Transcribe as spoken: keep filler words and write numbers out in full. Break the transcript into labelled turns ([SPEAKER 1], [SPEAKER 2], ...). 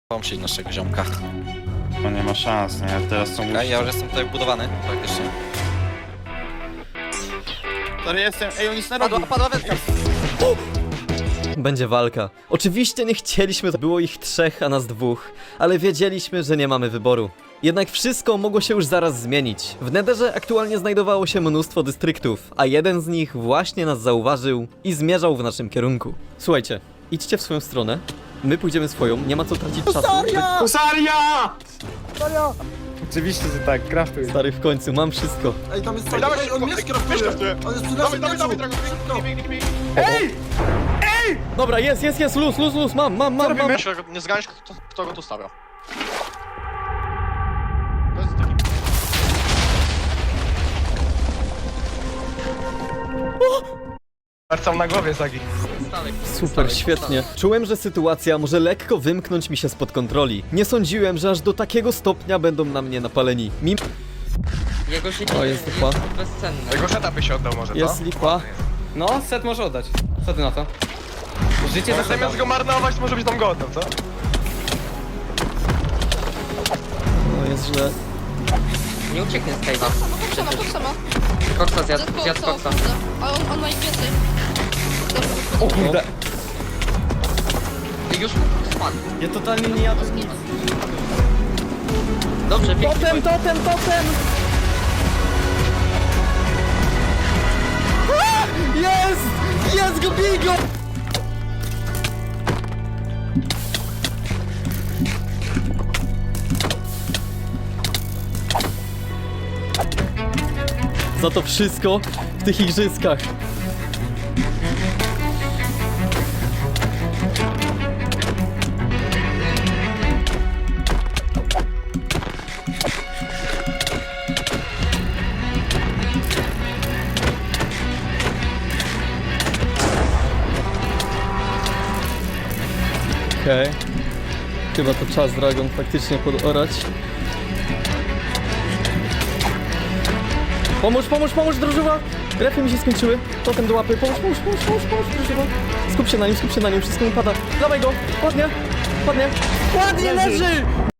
[SPEAKER 1] Pomyśl naszego ziomka.
[SPEAKER 2] No nie ma szans, nie? Teraz są...
[SPEAKER 1] Okej, ja już jestem tutaj wbudowany, praktycznie.
[SPEAKER 2] Stary jestem, ej, on nic nie robi.
[SPEAKER 1] Padła, padła wędka.
[SPEAKER 3] Będzie walka. Oczywiście nie chcieliśmy, było ich trzech, a nas dwóch, ale wiedzieliśmy, że nie mamy wyboru. Jednak wszystko mogło się już zaraz zmienić. W Netherze aktualnie znajdowało się mnóstwo dystryktów, a jeden z nich właśnie nas zauważył i zmierzał w naszym kierunku. Słuchajcie, idźcie w swoją stronę, my pójdziemy swoją, nie ma co tracić czasu.
[SPEAKER 2] Husaria!
[SPEAKER 4] Oczywiście, że tak, kraftuj.
[SPEAKER 3] Stary, w końcu, mam wszystko.
[SPEAKER 5] Ej, tam jest
[SPEAKER 2] Ej,
[SPEAKER 5] cały...
[SPEAKER 2] dawaj,
[SPEAKER 5] Ej, on mnie
[SPEAKER 2] szybko,
[SPEAKER 5] skraftuje! On jest przy naszym
[SPEAKER 2] Dawaj, dawaj,
[SPEAKER 5] mieczu!
[SPEAKER 2] dawaj, Dragon, biegnij,
[SPEAKER 5] Szybko.
[SPEAKER 2] Ej!
[SPEAKER 3] Dobra, jest, jest, jest, luz, luz, luz, mam, mam, mam, mam.
[SPEAKER 2] Nie zganiesz, kto, kto go tu stawia. To jest taki... Marcam na głowie, Zagi.
[SPEAKER 3] Super, świetnie. Czułem, że sytuacja może lekko wymknąć mi się spod kontroli. Nie sądziłem, że aż do takiego stopnia będą na mnie napaleni. Mim...
[SPEAKER 6] Jego życie
[SPEAKER 3] O, jest dupa.
[SPEAKER 6] bezcenne.
[SPEAKER 2] Jego seta by się oddał może,
[SPEAKER 3] Jest lipa.
[SPEAKER 4] No, set może oddać. Co ty na to? Życie za
[SPEAKER 2] Zamiast go marnować, to może być tam go oddał, co?
[SPEAKER 3] No jest źle.
[SPEAKER 6] Nie ucieknie z cave'a.
[SPEAKER 7] Potrzeba, potrzeba.
[SPEAKER 6] Koksa zjadł,
[SPEAKER 7] Zjadł
[SPEAKER 6] zjadł
[SPEAKER 7] koksa,
[SPEAKER 6] koksa.
[SPEAKER 7] kurde. A on, on ma ich więcej.
[SPEAKER 4] O kurde.
[SPEAKER 6] Już spadł.
[SPEAKER 4] Ja totalnie nie jadę nic.
[SPEAKER 6] Dobrze, pięknie.
[SPEAKER 3] Totem, totem, totem! A! Jest! Jest go, bij go! Za to wszystko w tych igrzyskach. Okej. Okay. Chyba to czas Dragon faktycznie podorać. Pomóż, pomóż, pomóż, drożywa! Refy mi się skończyły. Totem do łapy. Pomóż, pomóż, pomóż, pomóż, pomóż, drożywa. Skup się na nim, skup się na nim, wszystko mu pada. Dawaj go! Ładnie! Ładnie! Ładnie leży!